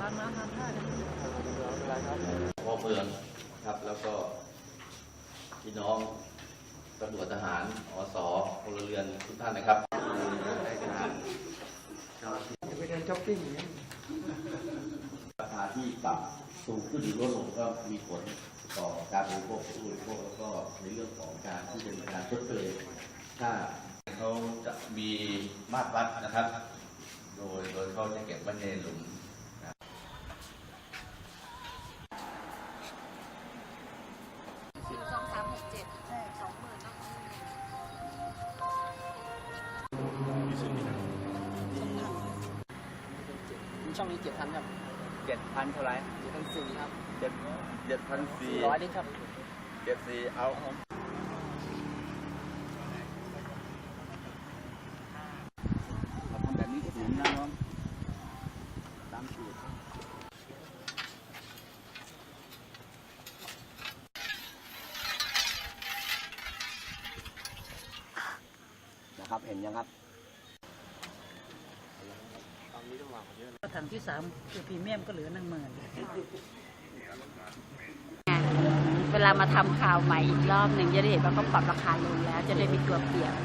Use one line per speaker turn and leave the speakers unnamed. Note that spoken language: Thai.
านน้ำทานท่าเนี่ย
พ่อเมืองครับแล้วก็พี่น้องตำรวจทหารอสพลเรือนทุกท่านนะครับจะไปเดินช้อปปิ้งราคาที่ปรับสูงขึ้นหรือลดลงก็มีผลต่อการบริโภคผู้บริโภคแล้วก็ในเรื่องของการที่จะมีการชดเชยถ้าเขาจะมีมาตรวัดนะครับ โดยเขาจะเก็บไว้ในหลุม
2367 20,000เนาะ
ช่องนี้7,000ครับ
7,000 เท่าไหร่
7,400ครับ
7,400
100นี่ครับ
74เอาเราทำแบบนี้สูงนะน้องตามสูตรนะครับเห็นยังครับ
ถังที่3คือพรีเมียมก็เหลือ10,000
เวลามาทำข่าวใหม่อีกรอบหนึ่งจะได้เห็นว่าเขาปรับราคาลงแล้วจะได้มีตัวเปรียบ